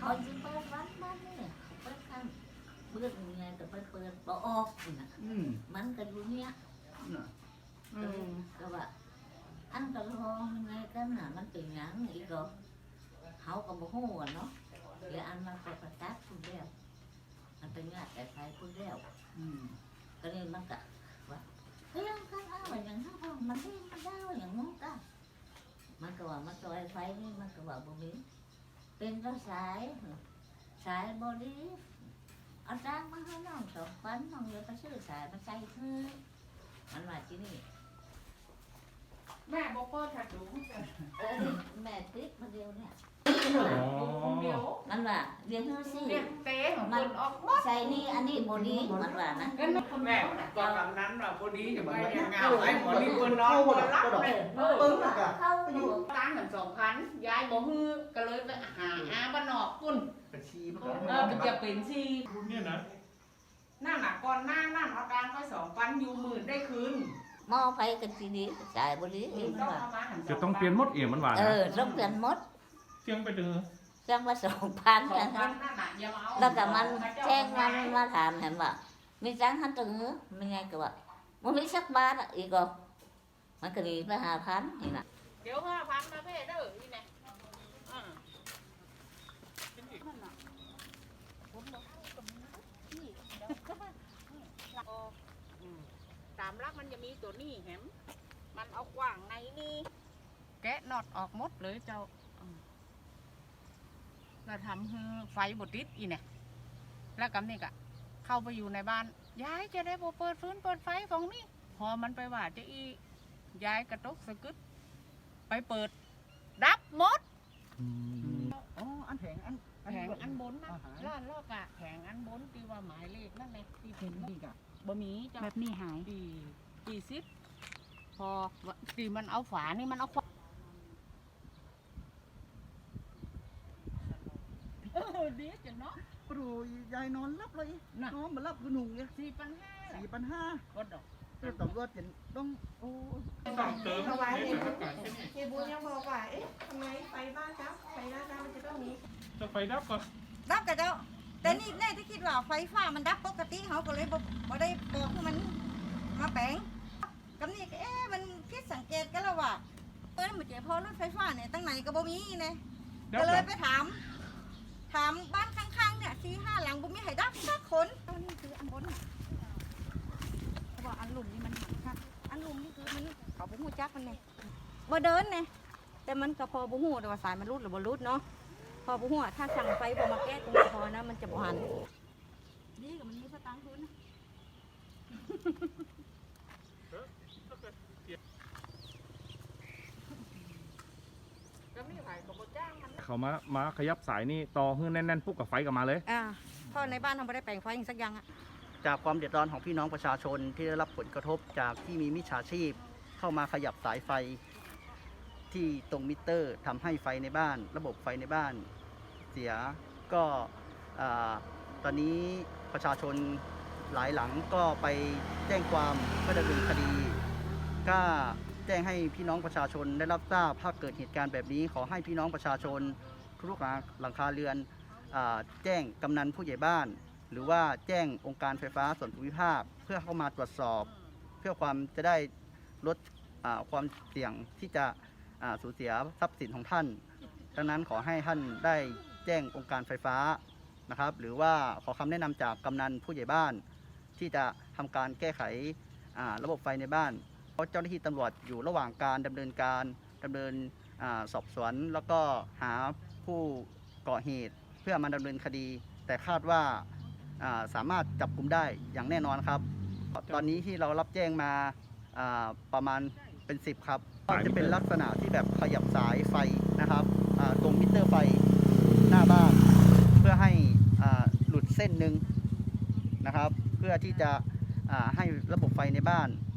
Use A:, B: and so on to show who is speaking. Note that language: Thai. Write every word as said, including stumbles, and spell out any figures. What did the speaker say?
A: คนที่เปิดวัดบ้านนี่เปิดข้างเปิดยังไงก็เปิดเปิดบ่ออกนะมันก็อยู่เนี้ยก็ว่าอันก็ลองยังไงกันน่ะมันเป็นหยังอีกก็เขาก็บ่ฮู้อ่ะเนาะเดี๋ยวอันมันก็ประจักษ์พูดแล้วมันเป็นงานแต่ไฟพูดแล้วก็เลยมันก็ว่าเฮ้ยกันอ้าวอย่างนั้นพอมันที่มันได้อย่างนู้นก็มันก็ว่ามันก็ไฟนี่มันก็ว่าบ่มีเป็นก็สายสายบอดี้เอาจ้างมาให้น้องสองพันน้องเลยไปซื้อสายมาใส่คือมันว่าที่นี่
B: แม่บอกก็ถัดดู
A: เออแม่ติ๊กมาเดียวเนี่ย
B: คนเดียว
A: มันว่าเรียนเท่าสิ
B: เรียนเต้ของคนออก
A: ใส่นี่อันนี้บอดี้มันว่านะ
B: แม่ตอนนั้นว่าบอดี้จะไปยังไงไอ้หมอนี่คนน้องคนรับเลย
A: ปึ้งเข้าอยู่
B: ตั้งกันสองพันย้ายบ่ฮือก็เลยไปหาอาบ้านนอกคุณเออจะเป็นชี
C: คุณเนี่ยนะ
B: หน้าหนักก่อนหน้าหน้าเอาการก็สองพันอยู่หมื่นได้คืน
A: มอไฟกันทีนี้จ่ายบริษัท
C: จะต้องเปลี่ยนมดเอี่ยมมันหวาน
A: เออต้องเปลี่ยนมด
C: เชียงไปเดือ
A: เชียงมาสองพันกันแล้วก็มันแจ้งมันมาถามเห็นว่ามีจ้างหันตึงมันไงก็ว่ามันมีสักบาทอ่ะอีกก็มันก็ดีไปหาพันนี่นะ
B: เดี๋ยวห้าพันมาเพ่เด้อนี่ไงตามรักมันจะมีตัวนี้แหมมันเอาขวางในนี่แกะน็อตออกหมดเลยเจ้าเราทำให้ไฟบดติดอีเนี่ยแล้วกับนี่กะเข้าไปอยู่ในบ้านยายจะได้บ่เปิดฟื้นเปิดไฟของนี่พอมันไปว่าจะอียายกระตกสะกึดไปเปิดดับหมด
D: อ๋ออันแผงอัน
B: แผงอันบนนะล้านลอกอะแผงอันบนที่ว่าหมายเลขนั่นแหละที่เห็นนี่กะบะหมี่
D: แบบนี้หาย
B: ปีปีซิปพอตีมันเอาฝานี่มันเอาขวาเออดีจังเนาะ
D: ปลุยยายนอนรับเลยนอนมารับกระหนุ่งเนี่ย
B: สี่พันห้า
D: สี่พันห้า
B: ก็ดอก
D: เรื่องต่อรถจะต้องโอ้
C: ต้องเติม
E: ถวายเนี่ยเฮียบุญยังบอกว่าเอ๊ะทำไมไฟบ้านครับไฟบ้านครับมันจะต้องมี
C: จะไฟดับก่อน
F: ดับกับเจ้าแต่นี่แน่ที่คิดว่าไฟฟ้ามันดับปกติเขาก็เลยบ่ได้บอกให้มันมาแปลงกับนี่เอ๊ะมันคิดสังเกตกันแล้วว่าเออมันเจอพอรถไฟฟ้าเนี่ยตั้งไหนก็บ่มีเนี่ยก็เลยไปถามถามบ้านข้างๆเนี่ยสี่ห้าหลังบ่มีให้ดับสักคนตอนนี้คืออันบนเพราะว่าอันหลุมนี่มันหักค่ะอันหลุมนี่คือมันเขาบ่ฮู้จักมันเนี่ยบ่เดินเนี่ยแต่มันก็พอบ่ฮู้แต่ว่าสายมันรุดหรือบ่รุดเนาะพอบุหัวถ้าสั่งไฟพอมาแก้ตรงนี้พอนะมันจะบหันนี่กับมันมีสตางค์ทุน
C: เขามามาขยับสายนี่ต่อให้แน่นๆปุ๊บกับไฟกับมาเลย
F: อ่าเพราะในบ้านทำไม่ได้แปลงไฟอย่างสักอย่างอะ
D: จากความเดือดร้อนของพี่น้องประชาชนที่ได้รับผลกระทบจากที่มีมิจฉาชีพเข้ามาขยับสายไฟที่ตรงมิเตอร์ทำให้ไฟในบ้านระบบไฟในบ้านเสียก็ตอนนี้ประชาชนหลายหลังก็ไปแจ้งความก็ดำเนินคดีก็แจ้งให้พี่น้องประชาชนได้รับทราบถ้าเกิดเหตุการณ์แบบนี้ขอให้พี่น้องประชาชนทุกหลังคาเรือนแจ้งกำนันผู้ใหญ่บ้านหรือว่าแจ้งองค์การไฟฟ้าส่วนภูมิภาคเพื่อเข้ามาตรวจสอบเพื่อความจะได้ลดความเสี่ยงที่จะสูญเสียทรัพย์สินของท่านดังนั้นขอให้ท่านได้แจ้งองค์การไฟฟ้านะครับหรือว่าขอคำแนะนำจากกำนันผู้ใหญ่บ้านที่จะทำการแก้ไขระบบไฟในบ้านเพราะเจ้าหน้าที่ตำรวจอยู่ระหว่างการดำเนินการดำเนินสอบสวนแล้วก็หาผู้ก่อเหตุเพื่อมาดำเนินคดีแต่คาดว่าสามารถจับกุมได้อย่างแน่นอนครับตอนนี้ที่เรารับแจ้งมาประมาณเป็นสิบครับก็จะเป็นลักษณะที่แบบขยับสายไฟนะครับตรงมิเตอร์ไฟหน้าบ้านเพื่อให้หลุดเส้นหนึ่งนะครับเพื่อที่จะให้ระบบไฟในบ้าน